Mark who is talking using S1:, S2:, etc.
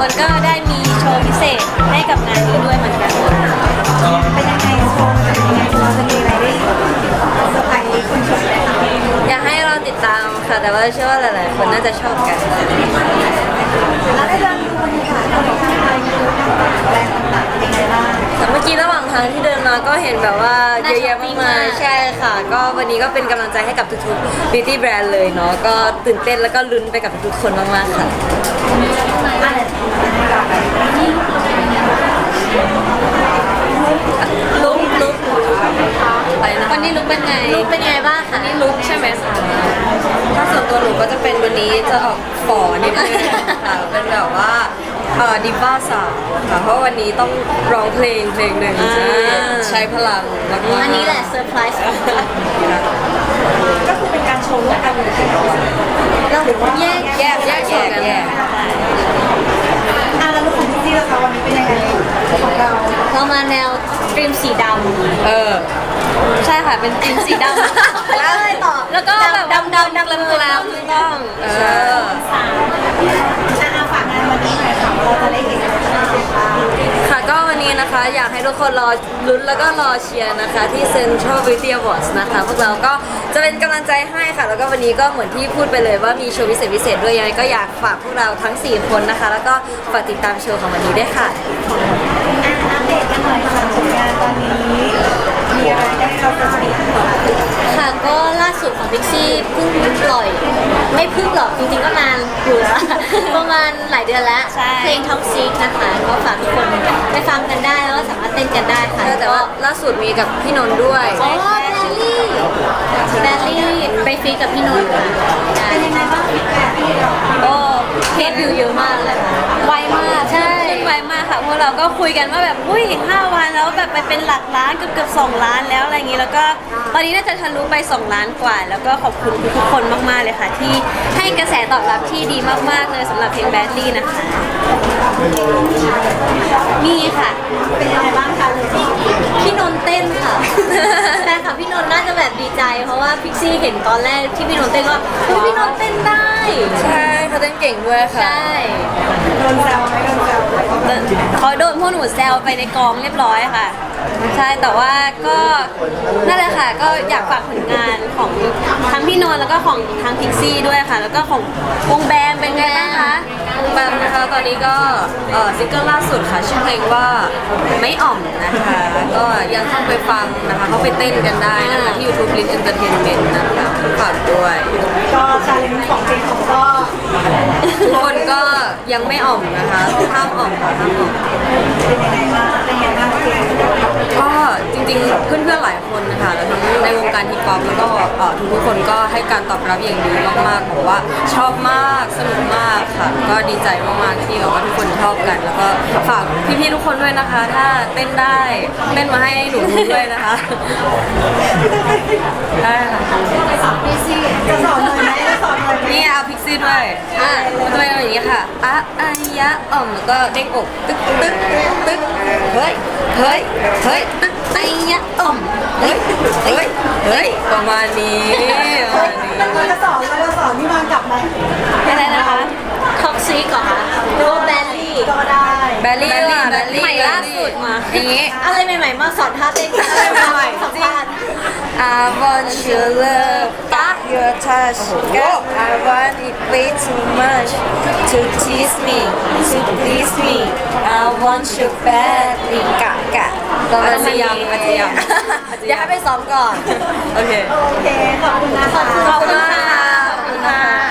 S1: คนก็ได้มีโชว์พิเศษให้กับงานนี้ด้วยเหมือนกัน
S2: เป็นยังไงโชว์จะเป็นยังไงเราจะมีอะไรได้เซอร์ไพรส์คนชมไหมคะ
S1: อยากให้เราติดตามค่ะแต่ว่าเชื่อว่าหลายๆคนน่าจะชอบกัน
S2: แล้วได้เดินดูบรรยากาศของทางไทยดูทางแบรนด์ต่างๆเป็นยังไงบ้าง
S1: แต่เมื่อกี้ระหว่างทางที่เดินมาก็เห็นแบบว่าเยอะแยะมากมายใช่ค่ะ ก็วันนี้ก็เป็นกำลังใจให้กับทุกๆ beauty brand เลยเนาะก็ตื่นเต้นแล้วก็ลุ้นไปกับทุกคนมากๆค่ะลุกไปนะวันนี้ลุกเป็นไงลุกเป็นไงบ้างคะนี่ลุกใช่ไหมคะถ้าส่วนตัวหนูก็จะเป็นวันนี้จะออกฝ่อนิดนึงค่ะเป็นแบบว่าดิบ้าสาวค่ะเพราะวันนี้ต้องร้องเพลงหนึ่งใช้พลังมากๆอันนี้แหละเซอร์ไพรส์
S2: ก็คือเป็นการโชว์ร่วมกันเลยใช่ไหมเราหรือว่า
S1: แยก
S2: แล้วลูกของพี่จี้ล่ะคะวันนี้เป็นยังไงของเรา
S1: มาแนวครีมสีดำใช่ค่ะเป็นครีมสีดำแล้วอะไรต่อแล้วก็แบบดำแล้วถูกต้อง
S2: ฝากงานวันนี้หน่อยค่ะเราจะได้เห็น
S1: ค่ะก็วันนี้นะคะอยากให้ทุกคนรอลุ้นแล้วก็รอเชียร์นะคะที่ Central Beauty Awards นะคะพวกเราก็จะเป็นกำลังใจให้ค่ะแล้วก็วันนี้ก็เหมือนที่พูดไปเลยว่ามีโชว์พิเศษด้วยยังไงก็อยากฝากพวกเราทั้ง4คนนะคะแล้วก็ฝากติดตามโชว์ของวันนี้ด้วยค่ะ
S2: อัปเดตกันหน่อยค่ะผลงานตอนนี้มีอะไรได้เราจะมี
S1: ค่ะก็ล่าสุดของพิกซี่เพิ่งปล่อยไม่เพิ่งหรอกจริงๆก็นานอยู่แล้วประมาณหลายเดือนแล้วเพลง Top 6นะคะก็ฝากทุกคนไปฟังกันได้แล้วก็สามารถเต้นกันได้ค่ะแต่ว่าล่าสุดมีกับพี่นนท์ด้วยอ๋อแบลลี่ไปฟีกับพี่นนท์
S2: เป็นยังไงบ้างฟีดแบ็ก
S1: โอ้เพจวิวเยอะมากเลยไวมากใช่ไวมากค่ะพวกเราก็คุยกันว่าแบบอุ้ย5 วันแล้วแบบไปเป็นหลักล้านเกือบ2 ล้านแล้วอะไรอย่างนี้แล้วก็ตอนนี้น่าจะทะลุไป2 ล้านกว่าแล้วก็ขอบคุณทุกคนมากๆเลยค่ะที่ให้กระแสตอบรับที่ดีมากๆเลยสำหรับเพลงแบดลี่นะคะมีค่ะ
S2: เป็นยังไงบ้างคะ
S1: พี่นนท์เต้นค่ะแฟนคลับพี่นนท์น่าจะแบบดีใจเพราะว่าพิกซี่เห็นตอนแรกที่พี่นนท์เต้นว่าพี่นนท์เต้นได้ใช่เขาเต้นเก่งด้วยค่ะใช่
S2: โดนแซวไหมโดนแซว
S1: เขาโดนพวกหนูแซวไปในกองเรียบร้อยค่ะใช่แต่ว่าก็นั่นแหละค่ะก็อยากฝากผลงานของทั้งพี่นนท์แล้วก็ของทางพิกซี่ด้วยค่ะแล้วก็ของวงแบมเป็นไงบ้างคะวงแบมนะคะตอนนี้ก็ซิงเกิลล่าสุดค่ะชื่อเพลงว่าไม่อ่อมนะคะก็ยังเข้าไปฟังนะคะเข้าไปเต้นกันได้นะคะที่ YouTube Lin Entertainment นะคะฝากด้วย
S2: ก็ชาเลนจ์ของเพลงของก็
S1: ทุกคนก็ยังไม่อ่อมนะคะห้ามอ่อมค่ะห้ามอ่อม
S2: เป็นยังไงบ้างเป็นยังไงบ้างเพลง
S1: ก็จริงๆเพื่อนๆหลายคนนะคะแล้วทั้งในวงการฮิปฮอปแล้วก็ทุกคนก็ให้การตอบรับอย่างดีมากๆบอกว่าชอบมากสนุกมากค่ะก็ดีใจมากๆที่แบบว่าทุกคนชอบกันแล้วก็ฝากพี่ๆทุกคนด้วยนะคะถ้าเต้นได้เต้นมาให้หนูดูด้วยนะคะได้ค่ะ
S2: พี่ซี่จะสอนหน่อยไหมจะสอนหน่อยไหม
S1: นี่เอาพิกซี่ด้วยมันจะเป็นอย่างนี้ค่ะอายะอ่อมแล้วก็เด้งอกตึ๊กตึ๊กตึ๊กเฮ้ยตึ๊กอายะอ่อมเฮ้ยประมาณนี้
S2: เราจะสอนพี่มากลับไหม
S1: อะไรนะคะท็อกซิกเหรอคะหรือว่าแบลลี่
S2: ก็ได้
S1: แบลลี่ใหม่ล่าสุดมาอย่างนี้อะไรใหม่ๆมาสอนท่าเต้นอะไรใหม่ๆสัมภาษณ์ I want your love your touch I want it way too much to tease me to please me I want you badly กะอาจจะยังอยากให้ไปซ้อมก่อนโอเค
S2: ขอบคุณนะคะ
S1: ขอบคุณค่ะ